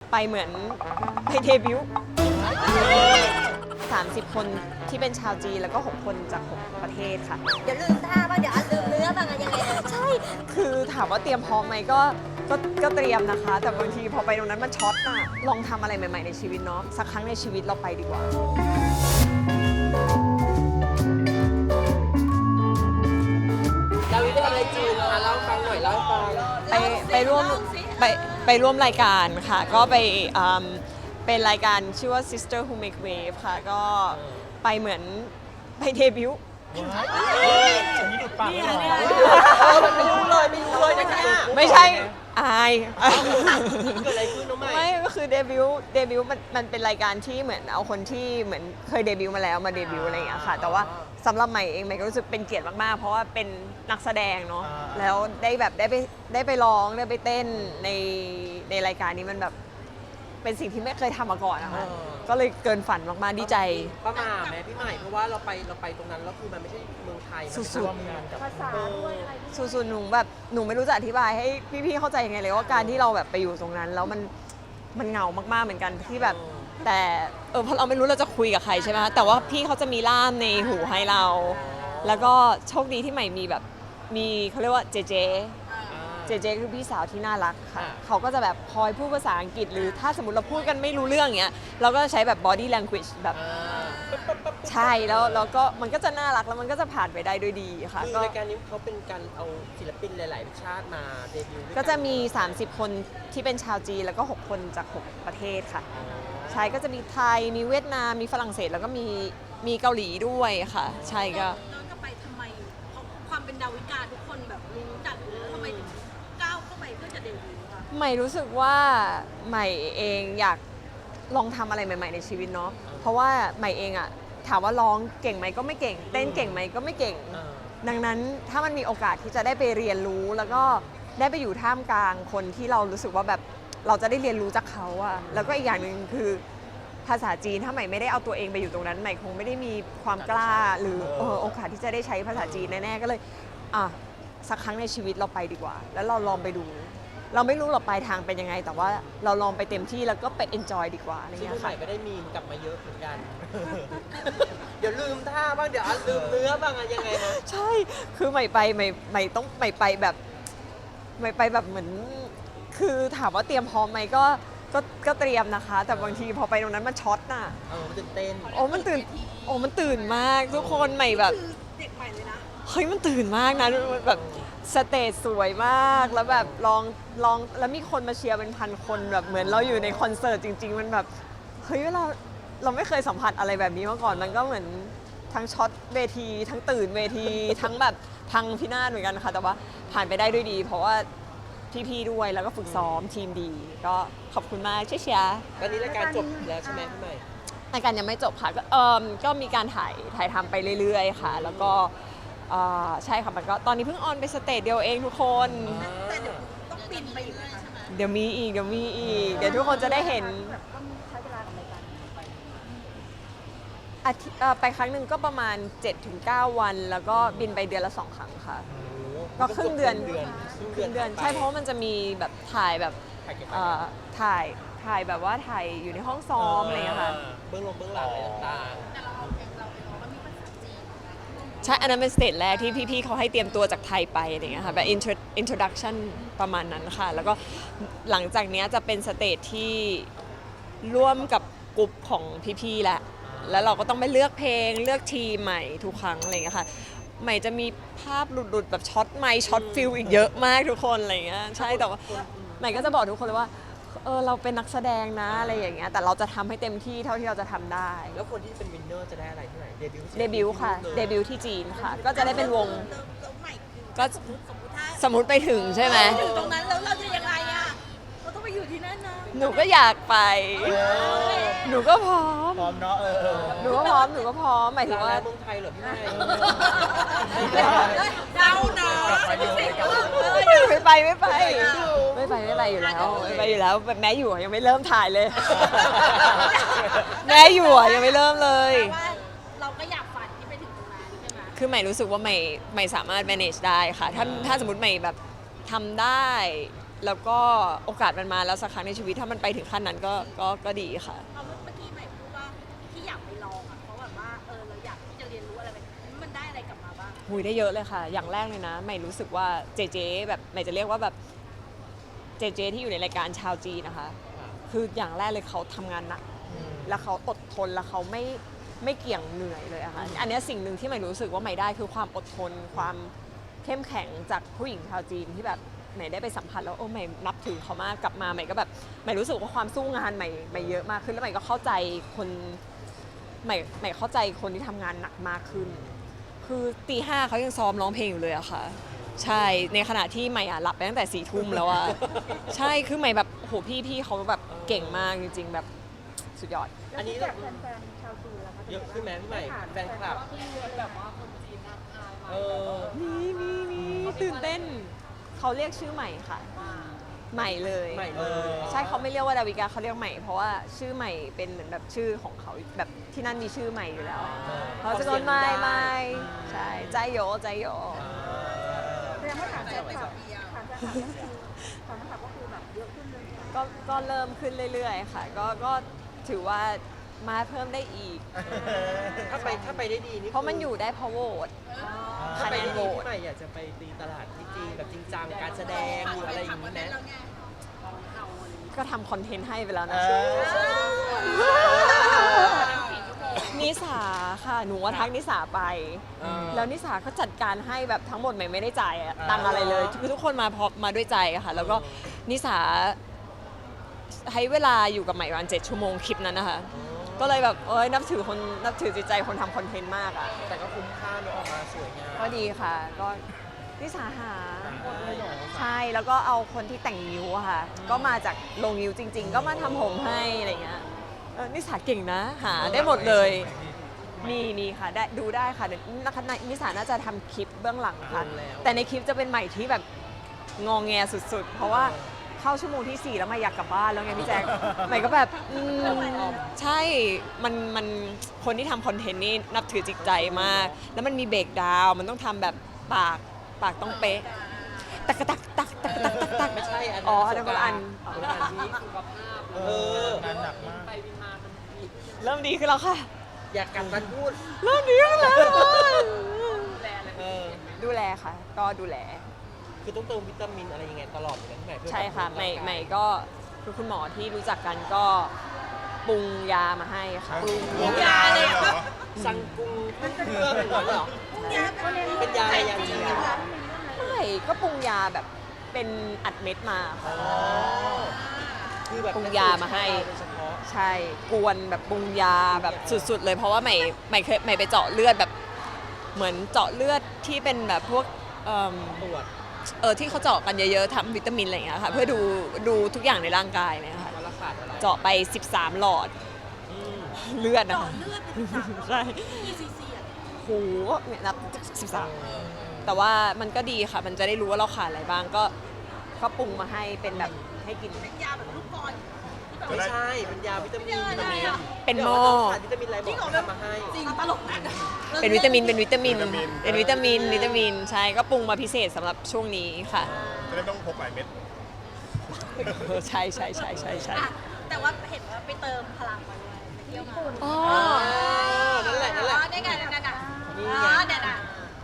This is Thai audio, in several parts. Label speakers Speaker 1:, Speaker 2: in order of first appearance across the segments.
Speaker 1: ไปเหมือนไปเดบิวต์30 คนที่เป็นชาวจีนแล้วก็6 คนจาก6 ประเทศค่ะ
Speaker 2: เดี๋ยวลืมท่าบ้างเดี๋ยวลืมเนื้อบ้างอะยังไง
Speaker 1: ใช่คือถามว่าเตรียมพร้อมไหมก็เตรียมนะคะ แต่บางทีพอไปตรงนั้นมันช็อตอะลองทำอะไรใหม่ๆในชีวิตเนาะสักครั้งในชีวิตเราไปดีกว่า
Speaker 3: ดาวิดได้ทำอะไรจีนคะเล่าให้ฟังหน่อยเล่าให้ฟัง
Speaker 1: ไปร่วมรายการค่ะก็ไปเป็นรายการชื่อว่า Sister Who Make Wave ค่ะก็ไปเหมือนไปเดบิวต์
Speaker 4: ฉันนี่ดูดปากไม่ออก
Speaker 3: ไม่รู้เลยนะคะ
Speaker 1: ไม่ใช่อาย
Speaker 3: เกิดอะไรขึ้นน้องใหม่
Speaker 1: ไม่ก็คือเดบิวต์มันเป็นรายการที่เหมือนเอาคนที่เหมือนเคยเดบิวต์มาแล้วมาเดบิวต์อะไรอย่างเงี้ยค่ะแต่ว่าสำหรับใหม่เองใหม่ก็รู้สึกเป็นเกียรติมากๆเพราะว่าเป็นนักแสดงเนาะแล้วได้ไปร้องได้ไปเต้นในรายการนี้มันแบบเป็นสิ่งที่ไม่เคยทำมาก่อนนะคะก็เลยเกินฝันมากๆดีใจ
Speaker 3: ประมาทไหมพี่ใหม่เพราะว่าเราไปตรงนั้นแล้วคือมันไม่ใช่เมืองไทย
Speaker 1: สุด
Speaker 2: ภาษาด้วยอะไรด้วย
Speaker 1: สุดๆหนูไม่รู้จะอธิบายให้พี่ๆเข้าใจยังไงเลยว่าการที่เราแบบไปอยู่ตรงนั้นแล้วมันเหงามากๆเหมือนกันที่แบบแต่เพราะเราไม่รู้เราจะคุยกับใครใช่ไหมคะแต่ว่าพี่เขาจะมีล่ามในหูให้เราแล้วก็โชคดีที่ใหม่มีแบบมีเขาเรียกว่าเจเจคือพี่สาวที่น่ารักค่ะเขาก็จะแบบคอยพูดภาษาอังกฤษหรือถ้าสมมติเราพูดกันไม่รู้เรื่องอย่างเงี้ยเราก็ใช้แบบ body language แบบใช่แล้วก็มันก็จะน่ารักแล้วมันก็จะผ่านไปได้ด้วยดีค่ะ
Speaker 3: คือรายการนี้เขาเป็นการเอาศิลปินหลายๆชาติมาเดบิวต์
Speaker 1: ก็จะมี30 คนที่เป็นชาวจีนแล้วก็6 คนจาก6 ประเทศค่ะใช่ก็จะมีไทยมีเวียดนามมีฝรั่งเศสแล้วก็มีเกาหลีด้วยค่ะใช่ก็
Speaker 2: ย้อนกลับไปทำไมเพราะความเป็นดาวิกาทุกคนแบบรู้จักอยู่แล้วทำไมถึงก้าวเข้าไปเพื่อจะเดบิวต์คะ
Speaker 1: ใหม่รู้สึกว่าใหม่เองอยากลองทำอะไรใหม่ๆในชีวิตเนาะเพราะว่าใหม่เองอะถามว่าร้องเก่งไหมก็ไม่เก่งเต้นเก่งไหมก็ไม่เก่งดังนั้นถ้ามันมีโอกาสที่จะได้ไปเรียนรู้แล้วก็ได้ไปอยู่ท่ามกลางคนที่เรารู้สึกว่าแบบเราจะได้เรียนรู้จากเขาอะแล้วก็อีกอย่างหนึ่งคือภาษาจีนถ้าใหม่ไม่ได้เอาตัวเองไปอยู่ตรงนั้นใหม่คงไม่ได้มีความกล้าหรือโอกาสที่จะได้ใช้ภาษาจีนแน่ๆก็เลยสักครั้งในชีวิตเราไปดีกว่าแล้วเราลองไปดูเราไม่รู้หรอกปลายทางเป็นยังไงแต่ว่าเราลองไปเต็มที่แล้วก็ไป enjoy ดีกว่าอะไร
Speaker 3: ซึ่ง
Speaker 1: เงี้ย
Speaker 3: พี่ให
Speaker 1: ค่ะ
Speaker 3: ม่ก็ได้มีมกลับมาเยอะเหมือนกัน เดี๋ยวลืมท่าบ้างเดี๋ยวลืมเนื้อบ้างอะยังไงนะ
Speaker 1: ใช่คือใหม่ไปใหม่ต้องใหม่ไปแบบใหม่ไปแบบเหมือนคือถามว่าเตรียมพร้อมไหมก็เตรียมนะคะ แต่บางทีพอไปตรงนั้นมันช็อตน่ะ
Speaker 3: มันตื่นเต้น
Speaker 1: มันตื่นมากทุกคนใหม่แบบ
Speaker 2: เด็กใหม่เลยนะ
Speaker 1: เฮ้ยมันตื่นมากนะแบบสเตจสวยมากแล้วแบบลองแล้วมีคนมาเชียร์เป็นพันคนแบบเหมือนเราอยู่ในคอนเสิร์ตจริงๆมันแบบเฮ้ยเราไม่เคยสัมผัสอะไรแบบนี้มาก่อนมันก็เหมือนทั้งช็อตเวทีทั้งตื่นเวทีทั้งแบบพังพินาศเหมือนกันค่ะแต่ว่าผ่านไปได้ด้วยดีเพราะว่าพี่ๆด้วยแล้วก็ฝึกซ้อมทีมดีก็ขอบคุณมากเชียร์
Speaker 3: ตอนนี้รายการจบแล้วใช่ไหมพี่ใหม่
Speaker 1: รายการยังไม่จบค่ะก็มีการถ่ายทำไปเรื่อยๆค่ะแล้วก็ใช่ค่ะมันก็ตอนนี้เพิ่งออนไปสเตจเดียวเองทุกคน
Speaker 2: แต่เดี๋ยวต้องปินไปอีกใช่ไหม
Speaker 1: เดี๋ยวมีอีกเดี๋ยวทุกคนจะได้เห็น
Speaker 2: ต้องใช้เวลากับรายการ
Speaker 1: ไปครั้งหนึ่งก็ประมาณ 7-9 วันแล้วก็บินไปเดือนละ 2 ครั้งค่ะก็ครึ่งเดือนใช่เพราะมันจะมีแบบถ่ายแบบถ่ายแบบว่าถ่ายอยู่ในห้องซ้อมอะไรอย่างเงี้ยค่ะ
Speaker 3: เบื้องหลังอะไรต่าง
Speaker 2: ๆแต่เราเอาเพลงเราไปร้องแล้วมีภาษาจีน
Speaker 1: ใช่อันนั้นเป็นสเตจแรกที่พี่ๆเขาให้เตรียมตัวจากไทยไปอะไรอย่างเงี้ยค่ะแบบ introduction ประมาณนั้นค่ะแล้วก็หลังจากนี้จะเป็นสเตจที่ร่วมกับกลุ่มของพี่ๆแล้วเราก็ต้องไปเลือกเพลงเลือกทีมใหม่ทุกครั้งอะไรอย่างเงี้ยค่ะใหม่จะมีภาพหลุดๆแบบช็อตไมค์ช็อตฟิลอีกเยอะมากทุกคนอะไรอย่างเงี้ยใช่แต่ว่าใหม่ก็จะบอกทุกคนเลยว่าเราเป็นนักแสดงนะอะไรอย่างเงี้ยแต่เราจะทำให้เต็มที่เท่าที่เราจะทำได้
Speaker 3: แล้วคนที่เป็นวินเนอร์จะได้อะไรที่ไหนเด
Speaker 1: บิวต์ค่ะเดบิวต์ที่จีนค่ะก็จะได้เป็นวงก็สมมติไปถึงใช่ไหม
Speaker 2: ถึงตรงนั้นแล้วเราจะยังไงอะเราต้องไปอยู่ที่นั่นนะ
Speaker 1: หนูก็อยากไปหนูก็พร้อม
Speaker 4: เนาะ
Speaker 1: หนูก็พร้อมหมายถึงว่า
Speaker 3: เมืองไทยเหรอพี่ใหม่
Speaker 2: เดาเนาะ
Speaker 1: ไม่ไปอยู่แล้วแม่อยู่ยังไม่เริ่มถ่ายเลยแม่อยู่ยังไม่เริ่มเลย
Speaker 2: เราก็อยากฝันที่ไปถึงตรงนั้นใช่ไหม
Speaker 1: คือใหม่รู้สึกว่าใหม่สามารถ manage ได้ค่ะถ้าสมมติใหม่แบบทำได้แล้วก็โอกาสมันมาแล้วสักครั้งในชีวิตถ้ามันไปถึงขั้นนั้นก็ดีค่ะ
Speaker 2: เอาเมื่อกี้ใหม่พูดว่าที่อยากไปลองอ่ะเพราะแบบว่าเราอยากที่จะเรียนรู้อะไรแบบนี้มันได้อะไรกลับมาบ้าง
Speaker 1: หุยได้เยอะเลยค่ะ อย่างแรกเลยนะใหม่รู้สึกว่าเจเจแบบใหม่จะเรียกว่าแบบเจเจที่อยู่ในรายการชาวจีนนะคะ คืออย่างแรกเลยเขาทำงานหนัก แล้วเขาอดทนแล้วเขาไม่เกี่ยงเหนื่อยเลยอะค่ะ อันเนี้ยสิ่งหนึ่งที่ใหม่รู้สึกว่าใหม่ได้คือความอดทน ความเข้มแข็งจากผู้หญิงชาวจีนที่แบบใหม่ได้ไปสัมผัสแล้วใหม่นับถือเขามากกลับมาใหม่ก็แบบใหม่รู้สึกว่าความสู้งานใหม่เยอะมากขึ้นแล้วใหม่ก็เข้าใจคนใหม่เข้าใจคนที่ทำงานหนักมากขึ้น คือตี 5เขายังซ้อมร้องเพลงอยู่เลยอะค่ะ ใช่ในขณะที่ใหม่หลับไปตั้งแต่4 ทุ่มแล้วอะใช่คือใหม่แบบโหพี่เขาแบบเก่งมากจริงๆแบบสุดยอด
Speaker 3: อันนี้แบบเยอะขึ้นไหมพี่ใหม่แฟนคลับ
Speaker 1: มีตื่นเต้นเขาเรียกชื่อใหม่ค่ะ ใหม่เลย
Speaker 3: ใหม่เลย
Speaker 1: ใช่เขาไม่เรียกว่าดาวิกาเขาเรียกใหม่เพราะว่าชื่อใหม่เป็นเหมือนแบบชื่อของเขาแบบที่นั่นมีชื่อใหม่อยู่แล้วเขาจะโดนไม่ใช่ใจโยใจโย
Speaker 2: แสดงว่าถามแฟนคลับก็คือแบบเยอะขึ้นเลย
Speaker 1: ก็เริ่มขึ้นเรื่อยๆค่ะก็ถือว่ามาเพิ่มได้อีก
Speaker 3: ถ้าไปได้ดีนี่
Speaker 1: เพราะมันอยู่ได้เพราะโหวต
Speaker 3: ถ้าไปได้ดี
Speaker 1: คะแนนโหวต
Speaker 3: พี่ใหม่อยากจะไปตีตลาดที่จีนแบบจริงจังการแสดงหรืออะไรอย่างนี้ไหม
Speaker 1: ก็ทำคอนเทนต์ให้ไปแล้วนะ นิสาค่ะ หนูว่าทักนิสาไป แล้วนิสาก็จัดการให้แบบทั้งหมดใหม่ไม่ได้จ่ายตังค์อะไรเลยคือทุกคนมาพร้อมมาด้วยใจอะค่ะ แล้วก็นิสาให้เวลาอยู่กับใหม่ประมาณ7 ชั่วโมงคลิปนั้นนะคะ ก็เลยแบบนับถือจิตใจคนทำคอนเทนต์มากอะ
Speaker 3: แต่ก็คุ้มค่าเนอะออกมาสวยงาม
Speaker 1: ก็ดีค่ะ ก็นิสาหาใช่แล้วก็เอาคนที่แต่งนิ้วอะค่ะ ก็มาจากโรงนิ้วจริง ๆ ก็มาทำผมให้อะไรเงี้ยนิสาเก่งนะหาได้หมดเลย มีค่ะได้ดูได้ค่ะเดี๋ยวนิสาน่าจะทำคลิปเบื้องหลังค่ะ แต่ในคลิปจะเป็นใหม่ที่แบบงองแงสุดๆ เพราะว่าเข้าชั่วโมงที่ 4 แล้วใหม่อยากกลับบ้านแล้วไงพี่แจ๊คใหม่ก็แบบใช่มันคนที่ทำคอนเทนต์นี่นับถือจิตใจมาก แล้วมันมีเบรกดาวน์มันต้องทำแบบปากต้องเป๊ะตักตักตักตักตักตักตัก
Speaker 3: ไม่ใช่อันนั้น
Speaker 1: อ๋ออันนั้นคนละอัน
Speaker 3: คนละอันนี้
Speaker 4: งานหนักมาก
Speaker 1: เริ่มดีขึ้นแล้วค่ะ
Speaker 3: อยากกันมันพูด
Speaker 1: เริ่มดีขึ้นแล้ว
Speaker 3: เออ
Speaker 1: ดูแลค่ะ ก็ดูแล
Speaker 3: คือต้องเติมวิตามินอะไรยังไงตลอดเลยพี่ใหม่เพื่อ
Speaker 1: ใช่ค่ะ
Speaker 3: บำรุง
Speaker 1: ใหม่
Speaker 3: ร่างกาย
Speaker 1: ใหม่ก็คือคุณหมอที่รู้จักกันก็ปรุงยามาให้ค่ะ
Speaker 3: ปรุงยาเลยเหรอสั่งปรุงเครื่องเหรอเป็นยาอะไรยาจีนเหรอ
Speaker 1: ไม่ก็ปรุงยาแบบเป็นอัดเม็ดมาค่ะ
Speaker 3: คือแบบ
Speaker 1: ปรุงยามาให้
Speaker 3: โดยเฉพาะ
Speaker 1: ใช่กวนแบบปรุงยาแบบสุดๆเลยเพราะว่าใหม่เคยใหม่ไปเจาะเลือดแบบเหมือนเจาะเลือดที่เป็นแบบพวก
Speaker 3: ตรวจ
Speaker 1: ที่เขาเจาะกันเยอะๆทำวิตามินอะไรอย่างเงี้ยค่ะเพื่อดูทุกอย่างในร่างกายนะคะ
Speaker 3: ว่ารักษาอะไร
Speaker 1: เจาะไป 13 หลอด
Speaker 3: อืม
Speaker 1: เลือดนะ
Speaker 2: ต่อ
Speaker 1: คะ
Speaker 2: เลือดเป็นสาม
Speaker 1: ใช่
Speaker 2: กี่ซีซีอ่ะ
Speaker 1: โหเนี่ยนับ13 แต่ว่ามันก็ดีค่ะ มันจะได้รู้ว่าเราขาดอะไรบ้างก็ปรุงมาให้เป็นแบบให้กิน
Speaker 2: เป็นยาแบบลูกบอลที่แบบ
Speaker 3: ไม่ใช่เป็นยาวิตามิน
Speaker 2: เป็นยาอะไรอะ
Speaker 1: เป็นหม้อ
Speaker 3: ขาดวิตามินอะไรบอกทำมาให้
Speaker 2: จริงตลกนะ
Speaker 1: เป็นวิตามินใช่ก็ปรุงมาพิเศษสำหรับช่วงนี้ค่ะ
Speaker 4: จะได้ไม่ต้องพกหลายเม็ด
Speaker 1: ใช่
Speaker 2: อ่ะแต่ว่าเห็นว่าไปเติมพลังมาด้วยไปเที่ยวมา
Speaker 1: อ๋อ
Speaker 3: นั่นแหละ
Speaker 2: ได้ไงนั่นน่ะ
Speaker 3: นี่
Speaker 2: อ๋
Speaker 3: ไง
Speaker 2: อเนี่ยน่ะ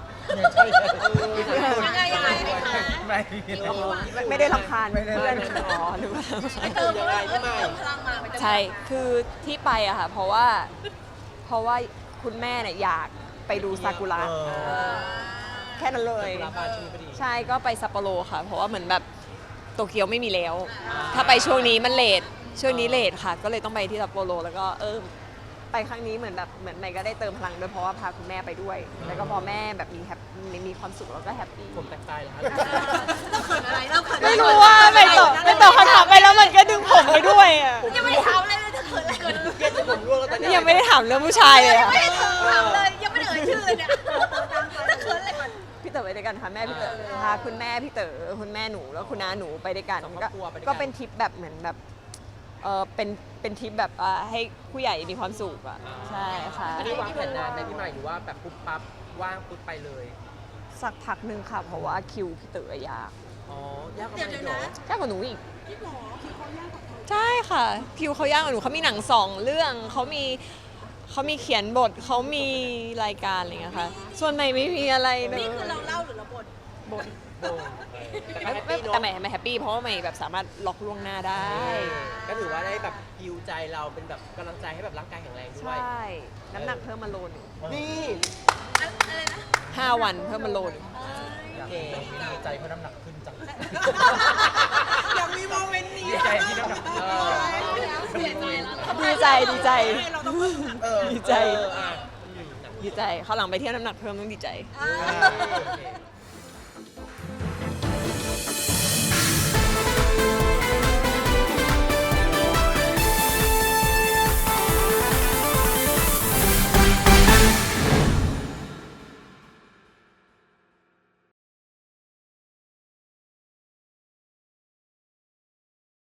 Speaker 2: ยังไงคะ
Speaker 4: ไม่
Speaker 1: ไม่ได้รำคาญเพื่อนอ๋อหรือว่า
Speaker 2: ไปเติมพลังเติมพลังมาไปเติม
Speaker 1: ใช่ คือที่ไปอะค่ะ เพราะว่าคุณแม่เนี่ยอยากไปดูซากุระแค่นั้นเลย
Speaker 3: ลาบาชูพอดี
Speaker 1: ใช่ก็ไปซัปโปโรค่ะ เพราะว่าเหมือนแบบโตเกียวไม่มีแล้ว ถ้าไปช่วงนี้มันเลทช่วงนี้เลทค่ะ ก็เลยต้องไปที่ซัปโปโรแล้วก็ไปครั้งนี้เหมือนใหม่ก็ได้เติมพลังด้วยเพราะว่าพาคุณแม่ไปด้วย แล้วก็พอแม่แบบมีความสุขแล้วก็แฮปปี้
Speaker 3: ผมแตกตายแล้ว
Speaker 2: เราเขินอะไรเราเขิน
Speaker 1: ไม่รู้ว่าไปตอบคำถามไปแล้วมันก็ดึงผมไปด้วยอะ
Speaker 2: ยังไม่ได้ถามเลยจะเขินอะไรกัน
Speaker 3: เย็นจนผมร่วงแล้วตอนนี้
Speaker 1: ยังไม่ได้ถามเรื่องผู้ชายเลย
Speaker 2: ยัง
Speaker 1: อะ
Speaker 2: ไม่ได้ถามเลยยังไม่ได้เอ่ยชื่อเลยเนี่ยจะเขินอะไรก่อน
Speaker 1: พี่เต๋อไปด้วยกันค่ะแม่พี่เต๋อพาคุณแม่พี่เต๋อคุณแม่หนูแล้วคุณน้าหนูไปด้วยกันก็เป็นทริปแบบเหมือนแบบเป็นทริปแบบให้ผู้ใหญ่มีความสุขอ่ะใช่ค่ะ
Speaker 3: อันนี้วางแผนนานไหมพี่ใหม่หรือว่าแบบปุ๊บปั๊บว่างปุ๊บไปเลย
Speaker 1: สักพักหนึ่งค่ะ เพราะว่าคิวพี่เต๋อยาก
Speaker 3: อ๋อยากกว่า
Speaker 2: เดี๋ยว
Speaker 3: ไหม
Speaker 2: เดี๋ยว
Speaker 3: เหร
Speaker 2: นะ
Speaker 3: อ
Speaker 1: ยากกว่าหนูอีก
Speaker 2: พี่หมอคือเขายากกว่าเขา
Speaker 1: ใช่ค่ะ คิวเขายากกว่าหนูเขามีหนัง2 เรื่องเขามีเขียนบทเขามีรายการอะไรอย่างเงี้ยค่ะ ส่วนใหม่ไม่มีอะไรเลย
Speaker 2: นี่คือเราเล่าหรือเราบ่น
Speaker 1: บท
Speaker 3: โด่ง
Speaker 1: แต่ใหม่แฮปปี้เพราะว่าใหม่แบบสามารถล็อกล่วงหน้าได้
Speaker 3: ก็ถือว่าได้แบบฮิวใจเราเป็นแบบกำลังใจให้แบบร่างกายแข็งแรงด้
Speaker 1: ใช
Speaker 3: วย
Speaker 1: ่ น้ำหนักเพิ่มมาโลนึง
Speaker 3: นี่
Speaker 2: อะไรนะ
Speaker 1: 5 วันเพิ่มมาโลนึง
Speaker 3: โอเค
Speaker 4: ดีใจเพราะน้ำหนักขึ้นจัง
Speaker 2: อยากมีโมเมนต์นี้
Speaker 4: ดีใจที่น้ำหนักขึ้น
Speaker 2: เสียใจแล้ว
Speaker 1: ดีใจดีใจ
Speaker 2: เราต้องเพิ่มน้ำหนัก
Speaker 1: ดีใจ
Speaker 3: อ่ะ
Speaker 1: ดีใจเขาวหลังไปเที่ยวน้ำหนักเพิ่มต้องดีใจ
Speaker 2: อ่า
Speaker 3: โอเค